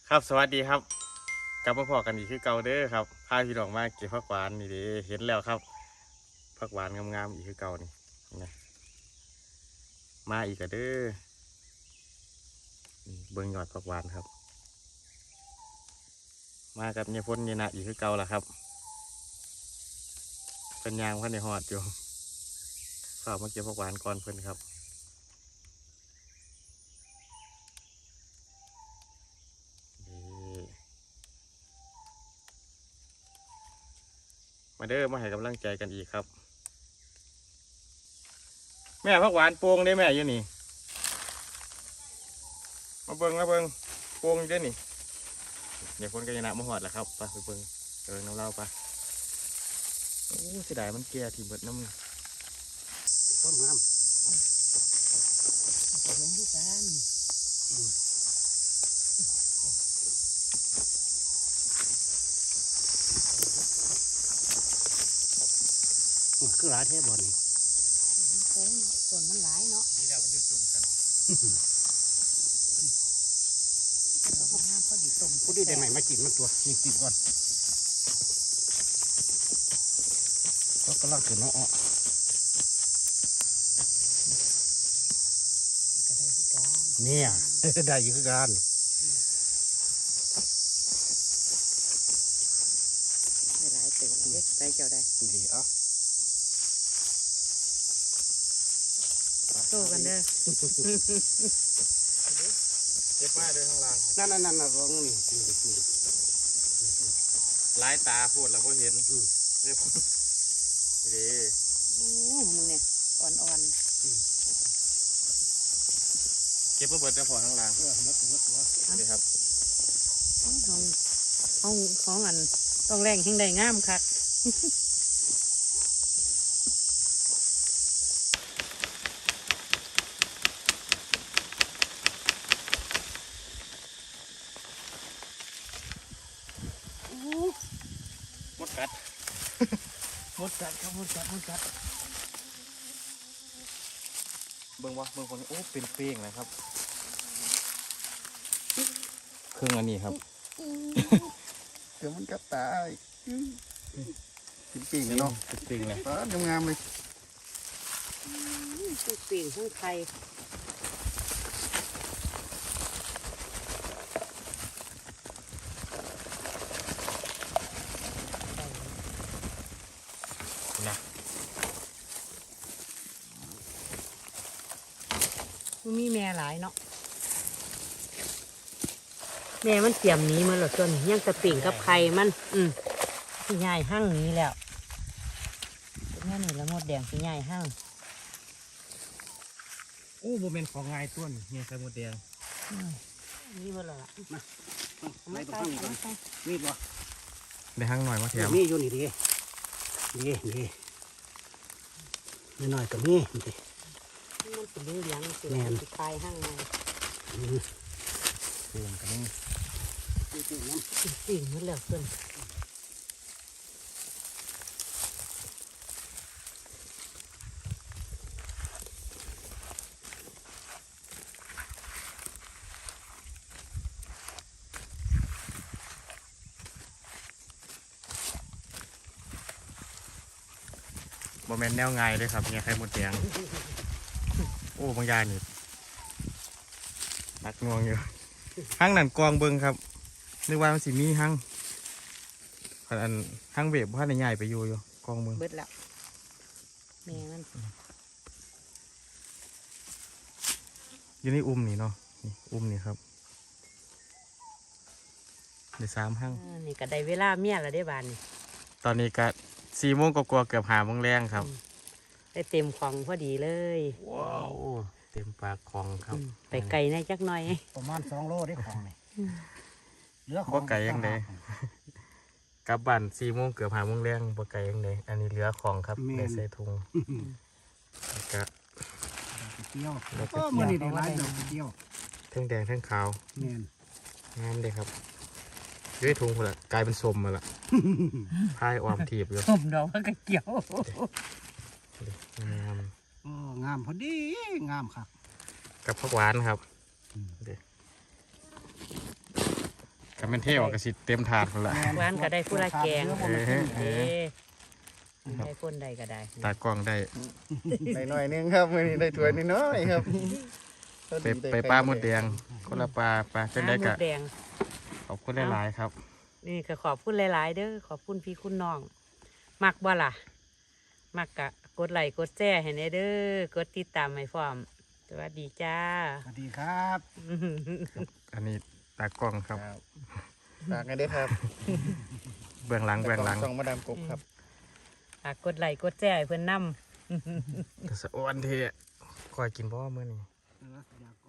ครับสวัสดีครับกลับมาพอกันอีกคือเก่าเด้อครับพาพี่น้องมาเก็บผักหวานนี่เด้เห็นแล้วครับผักหวานงามๆอีกคือเก่านี่นะมาอีกก็เด้อนี่เบิ่งยอดผักหวานครับมากับเนี่ยพ้นเนี่ยนะอีกคือเก่าล่ะครับเป็นยางพันในหอดอยู่ฝากมาเก็บผักหวานก่อนเพิ่นครับนี่มาเด้อมาให้กำลังใจกันอีกครับแม่ผักหวานโป่งได้แม่อยู่นี่มาเบิ่งโป่งอยู่เด้อนี่เดี๋ยวคนก็จะนะมาหอดแหละครับไปเบิ่งน้ำเล่าไปโอ้เสียดายมันแก่ที่เบิดน้ำต้นงามเห็นด้วยกันคือหลายแท้บ่นี่โค้งเนาะต้นมันหลายเนาะนี่แหละมันอยู่จุ่มกันดอกงามพอดีต้มพอดีได้ไหมมากินมันตัวนี่กินก่อนก็กำลังขึ้นเนาะก็ได้ที่การเนี่ยได้อยู่คือกันได้หลายตัวเล็กได้เจ้าได้ดีอ่ะโตกันเด้อเจ็บมากเลยข้างล่างนั่นร้องนี่ลายตาพูดแล้วก็เห็นเรียบดีโอ้มึงเนี่ยอ่อนเก็บมาเบิดจะพอข้างล่างนี่ครับของอันต้องแรงแห่งใดงามคักมดกัดหมดกัดครับหมดกัดเบิ่งคนนี้โอ้เป็นเป้งเลยครับเครื่องอันนี้ครับเดี๋ยวมันกัดตายปิ่งกันเนาะเป็นเป้งเลยงามเลยทั้งปิ่งทั้งไข่นะมีแม่หลายเนาะแม่มันเตรียมหนี้มาหรอจนยังจะปิ่งกับไข่มันพี่ใหญ่หั่งนี้แล้วแม่นี่ละมดแดงพี่ใหญ่หั่งโอ้โมเมนต์ของง่ายต้นเนี่ยไข่มดแดงนี่มาแล้วล่ะไม่ต้องฟังก่อนมีดบ่ได้หั่งหน่อยมาแถมมีอยู่นี่ดินี่หน่อยก็มีนี่ดิมันเป็นเรื่องยังเป็นคลายหั่งมาเป้งกันนี่ปิ่งมันแล้วเพิ่นโมเมนต์แนวง่ายเลยครับเนี่ยไข่มดแดงโอ้บางอย่างนี่นักงวงอยู่หั่งนั่นกองเบิ่งครับนึกว่ามันสิมีหั่งอันหั่งเว็บว่าในใหญ่ไปอยู่กองเบิ่งเบิดแล้วแม่มันอยู่ในนี่เนาะนี่นี่ครับได้3หั่งนี่ก็ได้เวลาเมียแล้วได้บานนี่ตอนนี้ก็4 โมงกว่าๆเกือบ5 โมงแรงครับได้เต็มของพอดีเลยว้าวเต็มปากของครับไปไกลในจักหน่อยประมาณ2 โลได้ของนี่เหลือของบ่ไก่ยังไงกลับบ้าน4 โมงเกือบ5 โมงแรงบ่ไก่ยังไงอันนี้เหลือของครับได้ใส่ถุงก็เที่ยวมื้อนี้ได้หลายดอกเที่ยวทั้งแดงทั้งขาวแม่นงามเลยครับด้วยถุงพุ่นละกลายเป็นสมมาละพายออมถีบอยู่ผมดอกก็เกี่ยวงามงามพอดีงามครับกับผักหวานครับกับเป็นเท่ออกกระสิเต็มถาดพุ่นละหวานก็ได้ผู้ละแกงเออเออได้คนใดก็ได้ตากล้องได้ได้หน่อยนึงครับมื้อนี้ได้ถ้วยน้อยๆครับไปปลาหมดแดงคนละปลาจังได้หมกะดแดงขอบคุณหลายๆครับนี่ก็ขอบคุณหลายๆเด้อขอบคุณพี่คุณน้อง มักบ่ล่ะ มักกะกดไลค์กดแชร์ให้แน่เด้อกดติดตามให้พร้อม สวัสดีจ้าสวัสดีครับอันนี้ตากล้องครับฝากกันด้วยครับเบื้องหลังช่องมาดามกบครับฝากกดไลค์กดแชร์ให้เพื่อนนำแต่สะอ้วนเทะคอยกินเพราะว่ามื้อนี้อยาก